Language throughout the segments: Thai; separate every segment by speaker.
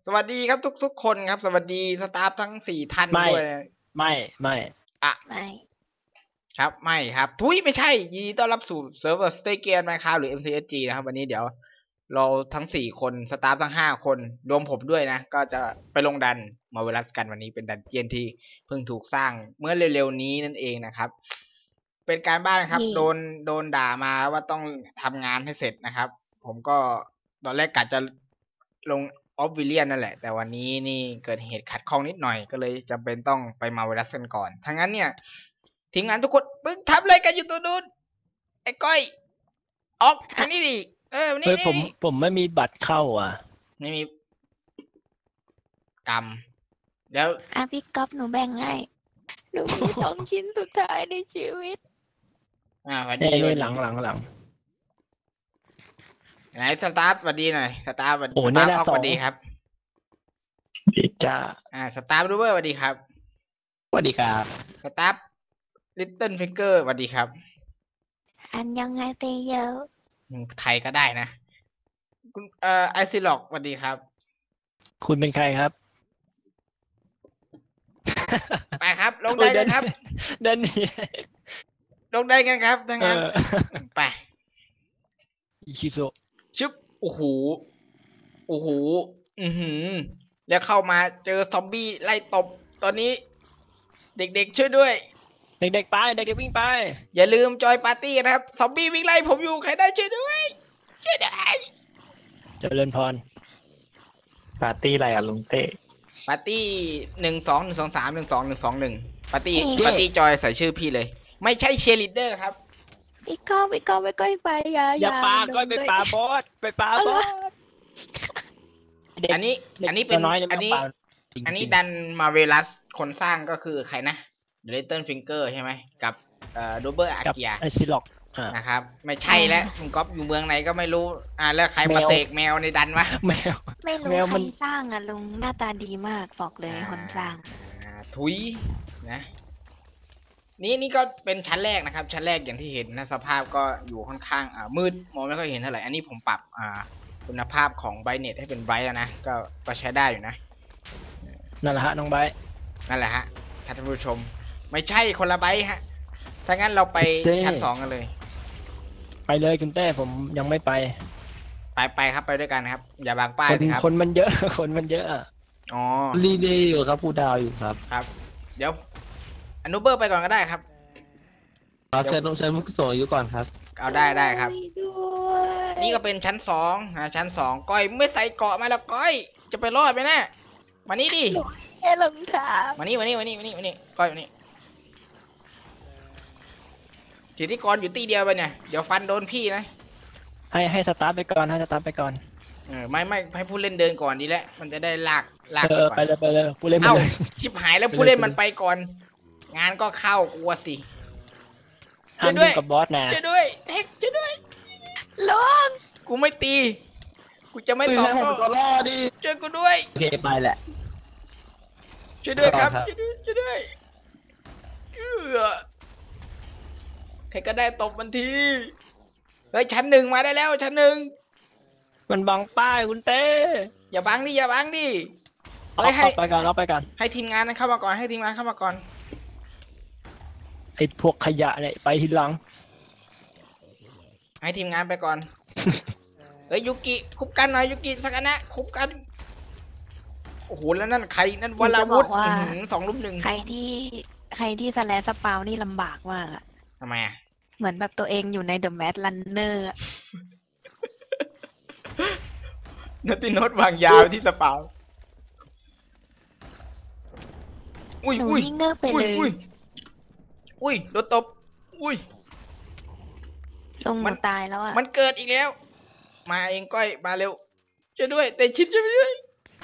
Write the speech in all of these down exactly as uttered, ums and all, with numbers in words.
Speaker 1: สวัสดีครับทุกๆคนครับสวัสดีสตาฟทั้งสี่ท่านด้วย
Speaker 2: ไม่ไม่
Speaker 1: อ่ะ
Speaker 3: ไม่
Speaker 1: ครับไม่ครับทุยไม่ใช่ยินดีต้อนรับสู่เซิร์ฟเวอร์สเตเกียนไหมครับหรือ เอ็ม ซี เอส จี นะครับวันนี้เดี๋ยวเราทั้งสี่คนสตาฟทั้งห้าคนรวมผมด้วยนะก็จะไปลงดันมาเวลัสกันวันนี้เป็นดันเจียนที่เพิ่งถูกสร้างเมื่อเร็วๆนี้นั่นเองนะครับเป็นการบ้านครับโดนโดนด่ามาว่าต้องทำงานให้เสร็จนะครับผมก็ตอนแรกกะจะลงออฟวิเลียนนั่นแหละแต่วันนี้นี่เกิดเหตุขัดข้องนิดหน่อยก็เลยจำเป็นต้องไปมาเวลัสกันก่อนทั้งนั้นเนี่ยทีมงานทุกคนมึงทำอะไรกันอยู่ตัวนู้นไอ้ก้อยออกทางนี้ดิเออนี่นี่
Speaker 2: ผมผมไม่มีบัตรเข้าอ่ะ
Speaker 1: ไม่มีกรรมเดี๋ยว
Speaker 3: อ่ะพี่ก๊อฟหนูแบ่งให้หนูมีสองชิ้นสุดท้ายในชีวิต
Speaker 1: อ่าวันดี
Speaker 2: หลังหลังหลัง
Speaker 1: ไหนสตาร์ทสวัสดีหน่อยสตาร์ทสวัสดีสตาร์ทออกสวัสดีครับ
Speaker 2: ดีจ้า
Speaker 1: อ่าสตาร์ทรูเบอร์สวัสดีครับ
Speaker 2: สวัสดีครับ
Speaker 1: สตาร์ทลิตเติ้ลฟิงเกอร์สวัสดีครับ
Speaker 3: อันยังไงเตยเยอะ
Speaker 1: ไทยก็ได้นะคุณเอ่อไอซิล็อกสวัสดีครับ
Speaker 2: คุณเป็นใครครับ
Speaker 1: ไปครับลงได้กันครับ
Speaker 2: เดินหนี
Speaker 1: ลงได้กันครับทั้งนั้นไป
Speaker 2: อิชิโซ
Speaker 1: ชึบโอ้โหโอ้โหอือหือแล้วเข้ามาเจอซอมบี้ไล่ตบตอนนี้เด็กๆช่วยด้วย
Speaker 2: เด็กๆไปเด็กๆวิ่งไป
Speaker 1: อย่าลืมจอยปาร์ตี้นะครับซอมบี้วิ่งไล่ผมอยู่ใครได้ช่วยด้วยช่วยได้
Speaker 2: เจริญพรปาร์ตี้อะไรอ่ะลุงเต้
Speaker 1: ปาร์ตี้หนึ่งสองหนึ่งสองสามหนึ่งสองหนึ่งสองหนึ่งปาร์ตี้ปาร์ตี้จอยใส่ชื่อพี่เลยไม่ใช่เชียร์ลีดเดอร์ครับ
Speaker 3: พี่ก้อพี่ก้อไปก้อยไปอย่า
Speaker 2: อย่าปาก้อยไปปาบอสไปปาบอส
Speaker 1: อันนี้อันนี้เป็นอันนี้อันนี้ดันมาเวลัสคนสร้างก็คือใครนะเดลิเติ้ลฟิงเกอร์ใช่ไหมกับเอ่อโดเบอร์อาเกีย
Speaker 2: ไอซิล็อก
Speaker 1: นะครับไม่ใช่แล้วคุณก๊อฟอยู่เมืองไหนก็ไม่รู้อ่าแล้วใครมาเสกแมวในดันวะ
Speaker 2: แมว
Speaker 3: ไม่รู้ใครสร้างอ่ะลุงหน้าตาดีมากบอกเลยคนสร้าง
Speaker 1: ทุยนะนี่นี่ก็เป็นชั้นแรกนะครับชั้นแรกอย่างที่เห็นนะสภาพก็อยู่ค่อนข้างอ่ามืดมองไม่ค่อยเห็นเท่าไหร่อันนี้ผมปรับอ่าคุณภาพของไบรท์เน็ตให้เป็นไบรท์แล้วนะก็ก็ใช้ได้อยู่นะ
Speaker 2: นั่นแหละฮะน้องไบรท์
Speaker 1: นั่นแหละฮะท่านผู้ชมไม่ใช่คนละไบรท์ฮะถ้างั้นเราไปชั้นสองกันเลย
Speaker 2: ไปเลยคุณเต้ผมยังไม่ไป
Speaker 1: ไปไปครับไปด้วยกันครับอย่าบางป้ายครับ
Speaker 2: คนมันเยอะคนมันเยอะ
Speaker 1: อ๋อ
Speaker 2: รีเดย์อยู่ครับผู้ดาวอยู่ครับ
Speaker 1: ครับเดี๋ยวอนุเบอร์ไปก่อนก็ได้ครับ
Speaker 2: เราเชิญต้องเชิญมุกโสอยู่ก่อนครับ
Speaker 1: เอาได้ได้ครับนี่ก็เป็นชั้นสองอ่าชั้นสองก้อยไม่ใส่เกาะมาแล้วก้อยจะไปรอดไหมนะมานี่ดิ
Speaker 3: แค่รองเท้า
Speaker 1: มานี่มานี่มานี่มานี่มานี่ก้อยมานี่จิตที่กรอยู่ตีเดียวไปเนี่ยเดี๋ยวฟันโดนพี่นะ
Speaker 2: ให้ให้สตาร์ทไปก่อนให้สตาร์ทไปก่อน
Speaker 1: เออไม่ไม่ให้ผู้เล่นเดินก่อนดีแล้วมันจะได้ลากลาก
Speaker 2: ไปเลยไปเลยผู้เล่น
Speaker 1: เอ้าชิบหายแล้วผู้เล่นมันไปก่อนงานก็เข้ากลัวสิ
Speaker 2: ช่วยด้วยกับบอสนะ
Speaker 1: ช่วยด้วยเท็กช่วยด้วย
Speaker 3: ลง
Speaker 1: กูไม่ตีกูจะไม่ตอบโต้ช่วยกูด้วย
Speaker 2: โอเคไปแหละ
Speaker 1: ช่วยด้วยครับช่วยด้วยช่วยด้วยเออใครก็ได้ตบมันทีเฮ้ยชั้นหนึ่งมาได้แล้วชั้นหนึ่ง
Speaker 2: มันบังป้ายคุณเต้
Speaker 1: อย่าบังดิอย่าบังดิ
Speaker 2: เอาไปก่อนเอาไปก่อน
Speaker 1: ให้ทีมงานนั้นเข้ามาก่อนให้ทีมงานเข้ามาก่อน
Speaker 2: ไอ้พวกขยะเนี่ยไปทีหลัง
Speaker 1: ให้ทีมงานไปก่อนเฮ้ยยุกิคุบกันหน่อยยุกิสักนะคุบกันโอ้โหแล้วนั่นใครนั่นวราวุธสองลุมหนึ่ง
Speaker 3: ใครที่ใครที่สแลสปาวนี่ลำบากมากอะ
Speaker 1: ทำไมอ่ะ
Speaker 3: เหมือนแบบตัวเองอยู่ในเดอะแมทลันเนอร์
Speaker 1: นัตติโนตวางยาวที่สปาวอุ้ยอุ้ย
Speaker 3: เงือบไปเลย
Speaker 1: อุ้ยอุ้ยโดนตบอุ้ย
Speaker 3: ลงมันตายแล้วอ่ะ
Speaker 1: มันเกิดอีกแล้วมาเองก้อยมาเร็วช่วยด้วยแต่ชิดช่วยด้วย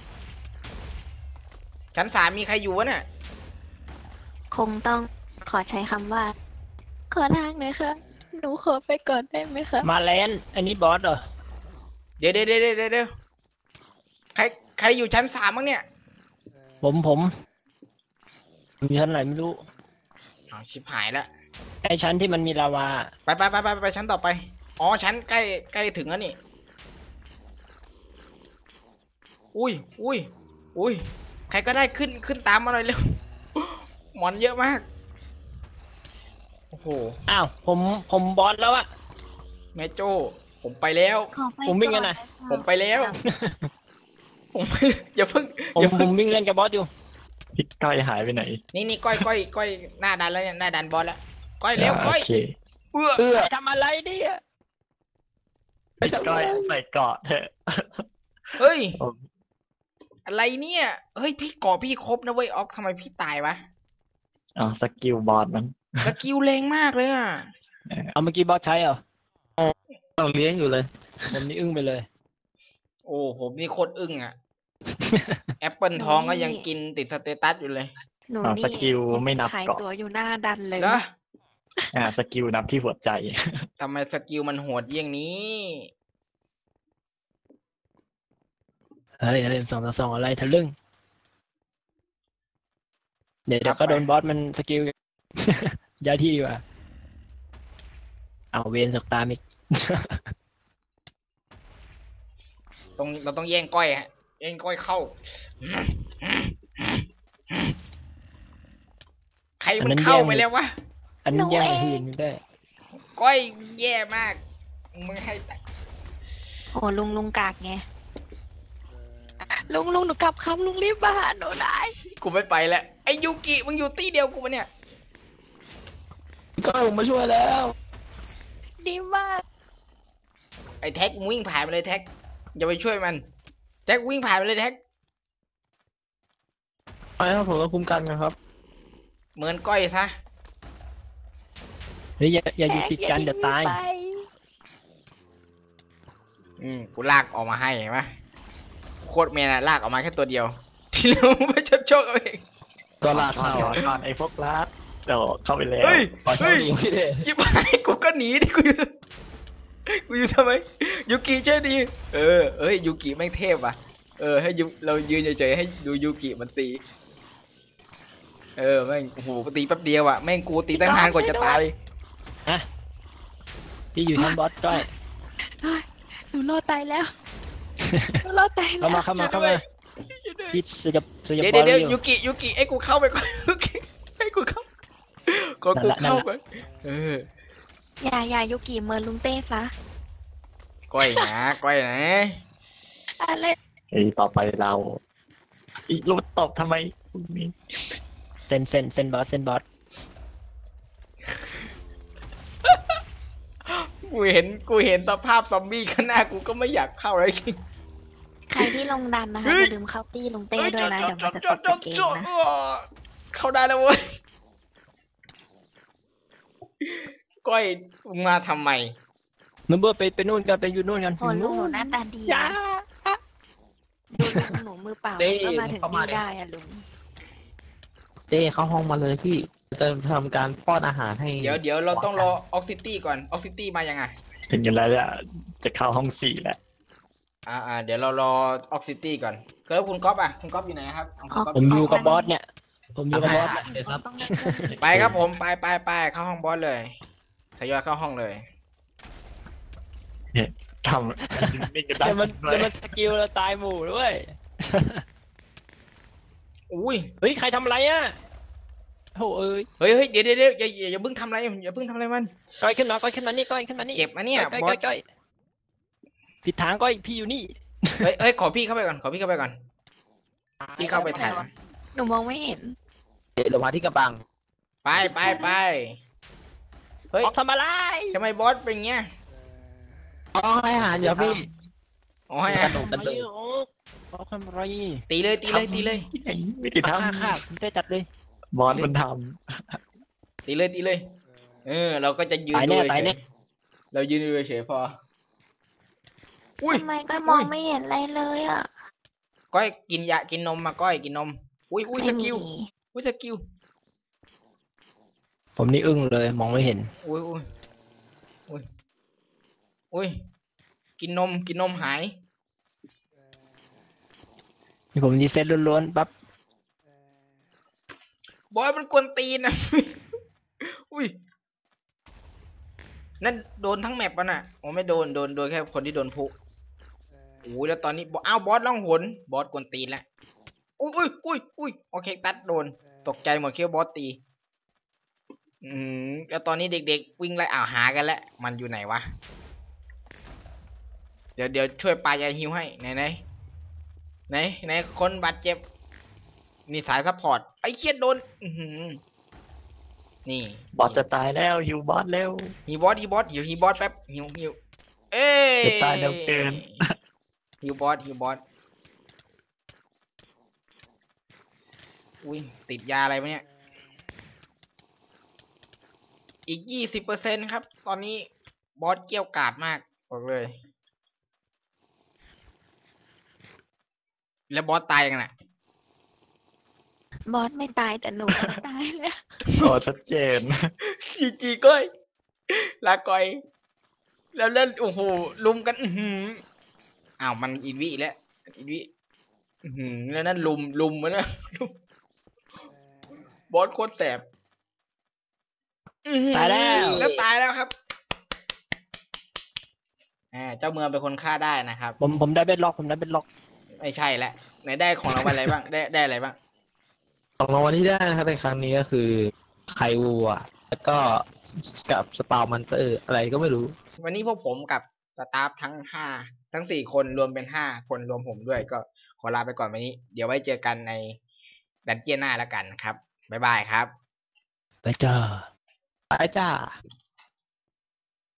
Speaker 1: ชั้นสามมีใครอยู่วะเนี่ย
Speaker 3: คงต้องขอใช้คำว่าขอทางหน่อยค่ะหนูขอไปก่อนได้ไหมคะ
Speaker 2: มาแลนอันนี้บอสเหรอ
Speaker 1: เดี๋ยวเดี๋ยวเดี๋ยวเดี๋ยวใครใครอยู่ชั้นสามมั้งเนี่ย
Speaker 2: ผมผมมีชั้นไหนไม่รู้
Speaker 1: อ๋อชิบหายแล้ว
Speaker 2: ไอชั้นที่มันมีลาวา
Speaker 1: ไปไปไปไปไปชั้นต่อไปอ๋อชั้นใกล้ใกล้ถึงแล้วนี่อุ้ยอุ้ยอุ้ยใครก็ได้ขึ้นขึ้นตามมาหน่อยเร็วหมอนเยอะมากโอ้โห
Speaker 2: อ้าวผมผมบอสแล้วอะ
Speaker 1: แม่โจ้ผมไปแล้ว
Speaker 3: ขอไป
Speaker 2: ผมวิ่งกันหน่อย
Speaker 3: ก่
Speaker 1: ผมไปแล้ว ผม อย่าเพิ่ง
Speaker 2: ผม
Speaker 1: อย่า
Speaker 2: ผ
Speaker 1: เพิ่ง
Speaker 2: มวิ่งเล่นกับบอสอยู่
Speaker 4: พี่ก้อยหายไปไหน
Speaker 1: นี่นี่ก้อยก้อยก้อยหน้าดันแล้วเนี่ยหน้าดันบอลแล้วก้อยเร็วก้อย
Speaker 4: โอเค
Speaker 1: เอื้อ
Speaker 4: เอื้อ
Speaker 2: ไปทำอะไรเนี่ย
Speaker 4: พี่ก้อยใส่เกราะเถอะ
Speaker 1: เฮ้ย
Speaker 4: ผม
Speaker 1: อะไรเนี่ยเฮ้ยพี่เกาะพี่ครบนะเว้ยออกทำไมพี่ตายวะ
Speaker 4: อ๋อสกิลบอสมัน
Speaker 1: สกิลแรงมากเลยอ่ะ
Speaker 2: เอาเมื่อกี้บอสใช้เหรอ
Speaker 5: ต้องเลี้ยงอยู่เลย
Speaker 2: ผมนี่อึ้งไปเลย
Speaker 1: โอ้ผมนี่โคตรอึ้งอ่ะ แอปเปิลทองก็ยังกินติดสเตตัสอยู่เลย
Speaker 3: หนู
Speaker 4: อ๋อ
Speaker 3: นี่
Speaker 4: สกิลไม่นับ
Speaker 3: ขาย
Speaker 4: เกราะ
Speaker 3: ตัวอยู่หน้าดันเลย
Speaker 1: นะ
Speaker 4: อ่าสกิลนับที่หัวใจ
Speaker 1: ทำไมสกิลมันโหดเยี่ยงนี้
Speaker 2: เฮ้ยเล่นสองต่อสองอะไรทะลึ่งเดี๋ยวเดี๋ยว
Speaker 1: ครั
Speaker 2: ก็
Speaker 1: บ
Speaker 2: โดนบอสมันสกิล ย้ายที่ดีกว่าเอาเวนสกตามอีก
Speaker 1: ต้องเราต้องแย่งก้อยฮะแย่งก้อยเข้า ใคร
Speaker 2: อั
Speaker 1: มัน น
Speaker 2: นั้น
Speaker 1: เข้า
Speaker 2: แย่ง
Speaker 1: ไปแล้ววะ
Speaker 2: อันนี้แย่งไปหืนได้
Speaker 1: ก้อยแย่มากมึงให้แต่
Speaker 3: โอ้ลุงลุงกากไงลุงลุงหนูกลับคำลุงรีบมาหาหนูได้
Speaker 1: กูไม่ไปแล้วไอ้ยูกิมึงอยู่ตี้เดียวกูปะเนี่ย
Speaker 5: ก็ผมมาช่วยแล้ว
Speaker 3: ดีมาก
Speaker 1: ไอ้แท็กมึงวิ่งผ่านไปเลยแท็กอย่าไปช่วยมันแท็กวิ่งผ่านไปเลยแท็ก
Speaker 5: ไปครับผมต้องคุ้มกันนะครับ
Speaker 1: เหมือนก้อยซะ
Speaker 2: เฮ้ยอย่าอย่าอยู่ติดกันเดี๋ยวตาย
Speaker 3: ไป
Speaker 1: อืมกูลากออกมาให้เห็นไหมโคตรเมนอะลากออกมาแค่ตัวเดียว ที่เหลือมึงไปชดโชคเอาเอง
Speaker 5: ก็ลากเข้า
Speaker 4: ก่อนก่อนไอ้พวกลัดเดี๋ยวเข้าไปแล้ว
Speaker 1: เฮ้ย
Speaker 5: ขอโชค
Speaker 1: เฮ้ย
Speaker 5: ดีพี่เด้
Speaker 1: ชิบหายกูก็หนีดิกูอยู่กูอยู่ทำไมยูกิช่วยดีเออเอ้ยยูกิแม่งเทพว่ะเออให้ยูเรายืนเฉยๆให้ดูยูกิมันตีเออแม่งโอ้โหตีแป๊บเดียวอ่ะแม่งกูตีตั้งนานกว่าจะตาย
Speaker 2: พี่อยู่ชั้นบอสก้อย
Speaker 3: หนูรอดตายแล้วหนูรอดตายแล้
Speaker 2: เข้าว มาเข้ามาเข้ามาพี่สยบสยบ
Speaker 1: เดี๋ยว
Speaker 2: บอ
Speaker 1: เดี๋
Speaker 2: ส
Speaker 1: ยว
Speaker 2: อ
Speaker 1: เดี๋ยว
Speaker 2: ยู่
Speaker 1: ยูกิยูกิไอ้กูเข้าไปก่อน ยูกิให้กูเข้าก่อนกู
Speaker 2: นั่นแหละ
Speaker 1: เข้าไปเออ
Speaker 3: อย่าอย่ายุกิเมินลุงเต้ซะ
Speaker 1: ก้อยนะก้อยนะ
Speaker 3: อะไร
Speaker 4: ไอ้ต่อไปเราอีลูกตบทำไมพวกนี้
Speaker 2: เซนเซนเซนบอสเซนบอส
Speaker 1: กูเห็นกูเห็นสภาพซอมบี้ข้างหน้ากูก็ไม่อยากเข้าเลย
Speaker 3: ใครที่ลงดันนะคะ
Speaker 1: เฮ้
Speaker 3: อย ย่าลืมเข้าตี้ลุงเต้ด้วยนะ เดี๋ยวมันจะตกเกมนะ
Speaker 1: เข้าได้แล้วเว้ยก้อยมึงมาทำไม
Speaker 2: มึงเบอร์ไปไปนู่นกันไปอยู่นู่นกัน
Speaker 3: โอ้ลุงหนูหน้าตาดี
Speaker 2: อย่า
Speaker 3: นะดูลุงหนูมือเปล่า
Speaker 5: เต้
Speaker 3: ก็มาถึง
Speaker 5: เข้ามา
Speaker 3: นี่
Speaker 5: ดิ
Speaker 3: ได้อะลุง
Speaker 5: เต้เข้าห้องมาเลยพี่ จะทำการป้อนอาหารให้
Speaker 1: เดี๋ยวเดี๋ยวเราต้องรอออกซิตี้ก่อนออกซิตี้มายังไง
Speaker 4: ถึงกันแล้วเนี่ยจะเข้าห้องสี่แล้ว
Speaker 1: อ่าอ่าเดี๋ยวเรารอออกซิตี้ก่อนแล้วคุณก๊อฟอ่ะคุณก๊อฟอยู่ไหนครับคุณก๊อฟ
Speaker 2: ผมอยู่กับบอสเนี่ย ผมอยู่กับบอส
Speaker 5: อ่ะเดี๋ยวครับ
Speaker 3: ต้องเลือก
Speaker 1: ไปครับผมไปไปไปเข้าห้องบอสเลยทยอยเข้าห้องเลย
Speaker 4: ทำนิ่งกันได้
Speaker 2: เดี๋ยวมัน
Speaker 4: ด้ว
Speaker 2: เดี๋
Speaker 4: ย
Speaker 2: ยวมันสกิลเราตายหมู่ด้วย
Speaker 1: อุ้ย
Speaker 2: เฮ้ยใครทำอะไรอ่ะโหเอ้ย
Speaker 1: เฮ้ยเฮ้ยเดี๋ยวเดี๋ยวเดี๋ยวอย่าอย่าอย่าเพิ่งทำอะไรอย่าเพิ่งทำอะไรมัน
Speaker 2: ก้อยขึ้นมาก้อยขึ้นมานี่ก้อยขึ้นมานี่
Speaker 1: เจ็บนะเนี่ย
Speaker 2: ก้อย
Speaker 1: บอ
Speaker 2: ก้อ
Speaker 1: ส
Speaker 2: ยก้อยผิดทางก้อยพี่อยู่นี่
Speaker 1: เฮ้ยเฮ้ยขอพี่เข้าไปก่อนขอพี่เข้าไปก่อนพี่เข้าไปถ่าย
Speaker 3: หนูมองไม่เห็น
Speaker 5: เดี๋ยวมาที่กระบัง
Speaker 1: ไปไปไปเฮ้ย
Speaker 2: ออกทำอะไร
Speaker 1: ทำไมบอสเป็นเงี้ย
Speaker 5: อ๋อให้อาหารเดี๋ยวพี่
Speaker 1: อ๋อให้
Speaker 5: กระ
Speaker 1: อะ
Speaker 5: โดดกระโดด
Speaker 2: ออกทำอะไร
Speaker 1: ตีเลยตีเลยตีเลย
Speaker 4: ไม่ติด
Speaker 2: ฆ่า
Speaker 4: ทำ
Speaker 2: ฆ่าผมได้จัดเลย
Speaker 4: บอสมันท
Speaker 1: ตีเลยตีเลย เออ เราก็จะยืน
Speaker 2: ตาย
Speaker 1: ดู
Speaker 2: แน่
Speaker 1: เฉ
Speaker 2: ตายแน่
Speaker 1: ยๆเรายืนดูเฉยๆพอ อุ้ย
Speaker 3: ทำไมก็มองไม่เห็นอะไรเลยอ่ะ
Speaker 1: ก้อยกินยากินนมมาก้อยกินนม อุ้ยอุ้ยส
Speaker 3: ไม่มี
Speaker 1: กิลอุ้ยสกิล
Speaker 2: ผมนี่อึ้งเลยมองไม่เห็น
Speaker 1: อุ้ยอุ้ยอุ้ยอุ้ยกินนมกินนมหาย
Speaker 2: นี่ผมดีเซ็ตล้วนๆปั๊บบ
Speaker 1: อยมันกวนตีนนะ อุ้ยนั่นโดนทั้งแมปป่ะน่ะโอ้ไม่โดนโดนโดนแค่คนที่โดนพุโอ้ยแล้วตอนนี้บออ้าวบอสล่องหนบอสกวนตีนแล้วอุ้ยอุ้ยอุ้ยอุ้ยโอเคตัดโดนตกใจหมดคิดว่าบอสตีอืมแล้วตอนนี้เด็กๆวิ่งไล่อ่าวหากันแล้วมันอยู่ไหนวะเดี๋ยวเดี๋ยวช่วยปลายาฮิวให้ไหนไหนไหนไหนคนบาดเจ็บนี่สายซัพพอร์ตไอ้เคียดโดนอือหือนี่
Speaker 4: บอสจะตายแล้วฮิวบอสเร็ว
Speaker 1: ฮีบอสฮีบอสอยู่ฮีบอสแป๊บฮิวฮิวเอ้ย
Speaker 4: จะตายเร็วเกิน
Speaker 1: ฮิวบอสฮิวบอสอุ้ยติดยาอะไรวะเนี่ยอีกยี่สิบเปอร์เซ็นต์ครับตอนนี้บอสเกี้ยวกาดมากบอกเลยแล้วบอสตายยังไง
Speaker 3: บอสไม่ตายแต่หนูตายแล้ว
Speaker 4: โอ้ชัดเจน
Speaker 1: จีจีก้อยลาก่อย แล้วเล่นโอ้โหลุมกันอือหืออ้าวมันอีวิแล้วอีวิอือหือแล้วนั่นลุมลุมมันนะลุมบอสโคตรแสบอื้อหือ
Speaker 2: ตายแล้ว
Speaker 1: แล้วตายแล้วครับอ่าเจ้าเมืองเป็นคนฆ่าได้นะครับ
Speaker 2: ผมผมได้เบ็ดล็อกผมได้เบ็ดล็อก
Speaker 1: ไม่ใช่แล้วไหนได้ของรางวัลอะไรบ้างได้ได้อะไรบ้าง
Speaker 5: ของรางวัลที่ได้นะครับในครั้งนี้ก็คือไข่วัวแล้วก็กับสปาวมันเตอร์อะไรก็ไม่รู้
Speaker 1: วันนี้พวกผมกับสตาฟทั้งห้าทั้งสี่คนรวมเป็นห้าคนรวมผมด้วยก็ขอลาไปก่อนวันนี้ เดี๋ยวไว้เจอกันในดันเจียนหน้าแล้วกันครับบ๊ายบายครับ
Speaker 2: ไปจ้า
Speaker 5: ไปจ้า